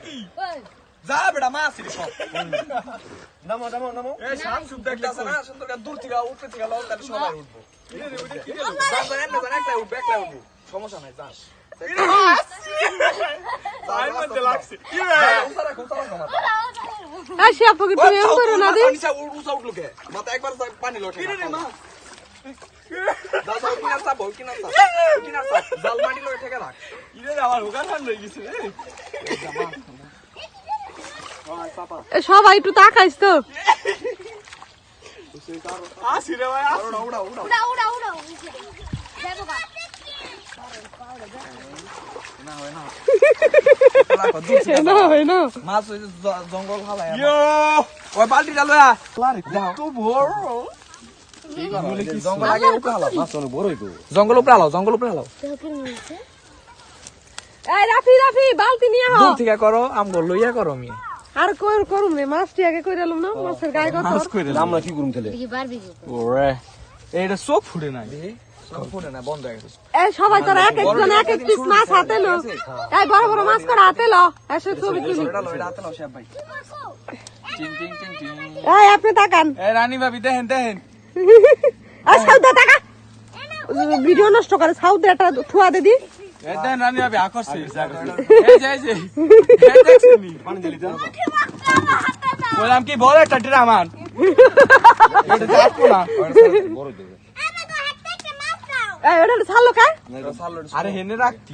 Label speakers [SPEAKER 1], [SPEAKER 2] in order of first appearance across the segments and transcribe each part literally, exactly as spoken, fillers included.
[SPEAKER 1] কি যা বেটা মাছ রে সব
[SPEAKER 2] নামো নামো নামো
[SPEAKER 1] এই সাপ সুপ দেখতাছ না সুন্দর করে দূর থেকে উঠতে থেকে লাও তাহলে সবাই উঠবো রে রে ওটা কি রে জান জান না একটা উঠবে একটা উঠবো সমস্যা নাই যাস ভাই মধ্যে লাগছে কি রে উসারা উসারা মাথা
[SPEAKER 3] আসি আপকে তুমি এম করো না দি
[SPEAKER 1] পানি সা উড়ুসা উঠলো কে মাথা একবার পানি লোটে কি রে মা দাদা কি না সাব কি না সাব কি না সাব জাল মাটি লোটে থেকে রাখ কি রে আমার হোগা ঠান হয়ে গেছে রে
[SPEAKER 3] সবাই একটু তাকাইস তো
[SPEAKER 1] আসি রে ভাই উড়া উড়া উড়া
[SPEAKER 4] উড়া উড়া উড়া যাবো গা
[SPEAKER 1] না হয় না
[SPEAKER 3] না হয় না
[SPEAKER 1] মাছ ওই জঙ্গল হালায় ইয়ো ওই বালতিটা লয়া যাও তো বড় জঙ্গল আগে উপরে হালাও
[SPEAKER 2] মাছ অনেক বড় হইতো
[SPEAKER 1] জঙ্গল উপরে হালাও জঙ্গল উপরে হালাও
[SPEAKER 3] এই রাফি রাফি বালতি নিয়ে আও
[SPEAKER 1] দূর থেকে করো আমগো লইয়া করো আমি
[SPEAKER 3] আর কই করুম রে মাছটি আগে কইরালুম না মাছের গায়ে কত
[SPEAKER 1] মাছ কইরে
[SPEAKER 2] আমরা কি করুম তাহলে
[SPEAKER 4] দেখি বারবি
[SPEAKER 1] ওরে এইটা চোখ ফুটে না চোখ ফুটে না বন্ধ হয়ে গেছে
[SPEAKER 3] এই সবাই তোরা এক একজন এক এক পিস মাছ হাতে লো এই বড় বড় মাছ করে হাতে লো এসে ছবি তুলি
[SPEAKER 1] এটা লইরা হাতে নাও শেফ ভাই টিং টিং টিং টিং
[SPEAKER 3] এই আপনি তাকান
[SPEAKER 1] এই রানী ভাবি দেখেন দেখেন
[SPEAKER 3] আর সাউদা টাকা ভিডিও নষ্ট করে সাউদা একটা ঠুয়া দে দি
[SPEAKER 1] এই দেখেন রানী ভাবি আকর্ষে এই যে এই যে এই দেখছনি
[SPEAKER 2] পানি দিলি তো
[SPEAKER 1] বললাম কি বড় একটা ড্রামান এটা দেখো না
[SPEAKER 2] বড় দেবে
[SPEAKER 3] এই ওটা ছাড়লো কা
[SPEAKER 1] আরে হেনে রাখতি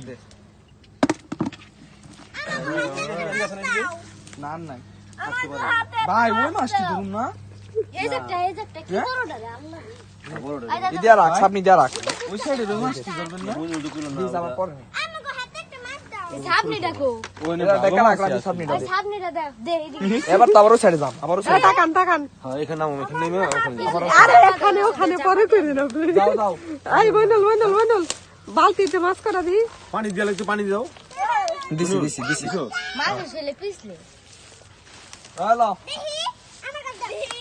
[SPEAKER 1] না নাই ভাই ওই মাছটি ধরুন না
[SPEAKER 4] এই একটা এই একটা কি বড় ডালে আল্লাহ
[SPEAKER 1] ইদিয়া রাখ সামনে দিয়া রাখ ওই সাইডে ওই মাছটি ধরবেন না দিস আমার পরে
[SPEAKER 4] আমাকে হাতে একটা মাছ দাও এই সামনে দেখো
[SPEAKER 1] ওই না দেখা রাখ রাখ সামনে
[SPEAKER 4] এই সামনেটা দাও দে এদিকে
[SPEAKER 1] এবার তো আবারও সাইডে যাম আবারও
[SPEAKER 3] এই তাকান তাকান
[SPEAKER 2] হ্যাঁ এখানে নামো এখানে নেমে ওখানে
[SPEAKER 3] আরে এখানে ওখানে পরে করি না
[SPEAKER 1] যাও যাও
[SPEAKER 3] এই বইনল বইনল বইনল বালতিতে মাছ করা দি
[SPEAKER 2] পানি দিয়ে লাগছে পানি দাও
[SPEAKER 1] দিছি দিছি দিছি
[SPEAKER 4] মাছ ছেলে পিছলে
[SPEAKER 1] হ্যালো
[SPEAKER 4] দেখি আমার কাছে দেখি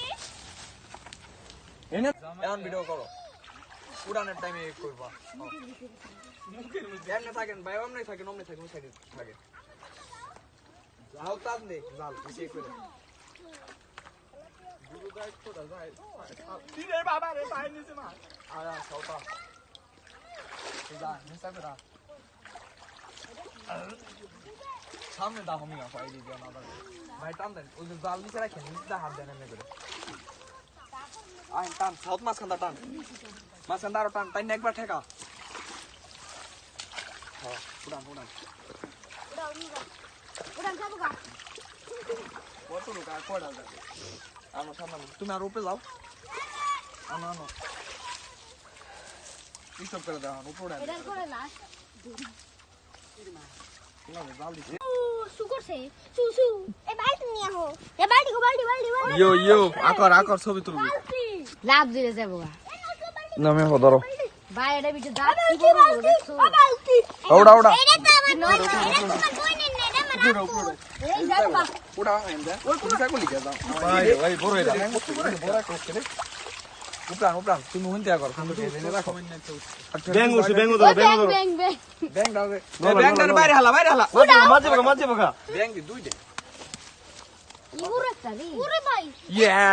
[SPEAKER 1] এনে এখন ভিডিও করো উড়ানের টাইমে করবা এমনি থাকেন ভাই এমনি থাকেন এমনি থাকেন সাইডে থাকেন যাও তার নে জাল বেশি করে গুরু দায়িত্ব দা যায় কি রে বাবা রে পাই নিছে মা আয়া সাউতা যা নিসা করা সামনে দাও আমি পাই দিও না ভাই টান দেন ওই জাল নিচে রাখেন নিচে হাত দেন এমনি করে আই টান সাউথ মাছ খান্দা টান মাছ খান্দা আর টান টাইন একবার ঠেকা হ্যাঁ উড়ান উড়ান
[SPEAKER 4] উড়ান যাবো গা
[SPEAKER 1] কত লোক আর কয়টা যাবে আমার সামনে তুমি আর উপরে যাও আনো আনো স্টপ করে দাও উপরে
[SPEAKER 4] এটা করে লাস্ট
[SPEAKER 1] না জাল দিছে
[SPEAKER 4] সু করছে সু সু এ বালতি নিয়ে আহো এ বালতি গো বালতি বালতি বালতি
[SPEAKER 1] ইয়ো ইয়ো আকর আকর ছবি তুলবি
[SPEAKER 4] লাভ দিলে যাবো গা
[SPEAKER 1] নামে হদরো
[SPEAKER 4] ভাই এটা বিটে দাঁত কি বড় বড় দেখছো বালতি
[SPEAKER 1] ওড়া ওড়া
[SPEAKER 4] এটা তো আমার নয় এটা তোমার বইনের না এটা আমার আপু এই যাবো গা
[SPEAKER 1] ওড়া এন্ডা তুমি সাকো লিখে দাও
[SPEAKER 2] ভাই ভাই বড় এটা
[SPEAKER 1] বড় করতে রে উপরান উপরান তুমি হুন দেয়া করো তুমি এনে রাখো
[SPEAKER 2] ব্যাং উঠছে ব্যাং ধরো ব্যাং ধরো
[SPEAKER 4] ব্যাং ব্যাং
[SPEAKER 1] ব্যাং দাও রে ব্যাং দাও বাইরে হালা বাইরে হালা
[SPEAKER 2] মাঝে বকা মাঝে বকা
[SPEAKER 1] ব্যাং দি দুই দে
[SPEAKER 4] ইউরে তালি ওরে ভাই
[SPEAKER 1] ইয়া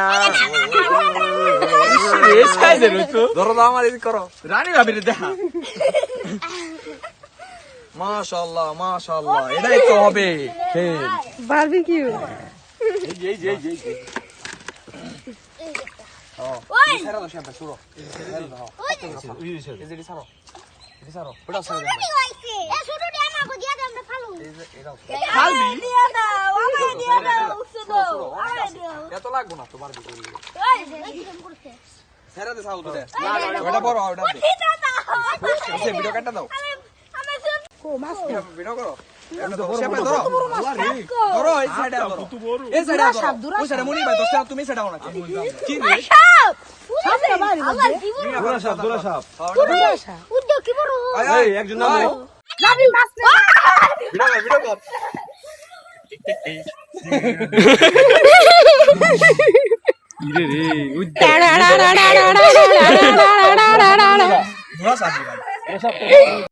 [SPEAKER 1] এই সাইজের তো ধরো দাও আমার এই করো রানী ভাবি রে দেখা মাশাআল্লাহ মাশাআল্লাহ এটাই তো হবে হে
[SPEAKER 3] বারবিকিউ
[SPEAKER 2] এই যে এই যে এই যে
[SPEAKER 4] ওই
[SPEAKER 1] সারা দাও শাবা শুরো সারা দাও
[SPEAKER 4] ওই
[SPEAKER 1] এই যে সারো এই সারো ওটা সারো
[SPEAKER 4] কি হইছে এ শুরুটি আমাকে দিয়া দাও আমরা ফালু
[SPEAKER 1] এই যে এটাও
[SPEAKER 4] খালবি দিয়া দাও আমাকে দিয়া দাও শুনো আমাকে দিও
[SPEAKER 1] এত লাগবো না তোমার দিকে
[SPEAKER 4] ওই কি করছে
[SPEAKER 1] সারা দে সাউ তো দে ওটা বড় ওটা দে
[SPEAKER 4] এটা দাও
[SPEAKER 1] এই ভিডিও কাটটা দাও
[SPEAKER 4] আমি শুন
[SPEAKER 3] কো মাছ
[SPEAKER 1] ভিডিও করো শাবা ধরো ধরো এই সাইডে ধরো এই সাইডে ধরো ওই সাইডে মনি ভাই দশটা তুমি সাইডে আও না কি রে
[SPEAKER 4] সাপ সাপে বাড়ি আল্লাহ কি বড়
[SPEAKER 2] দোলা সাপ দোলা সাপ
[SPEAKER 4] উদ্দ কি বড়
[SPEAKER 2] এই একজন নামো
[SPEAKER 4] লাভি মাছ
[SPEAKER 1] ভিডিও ভিডিও কর
[SPEAKER 2] ইরে রে ওই
[SPEAKER 3] টাড়া টাড়া টাড়া টাড়া টাড়া টাড়া
[SPEAKER 1] ধরা সাজি ভাই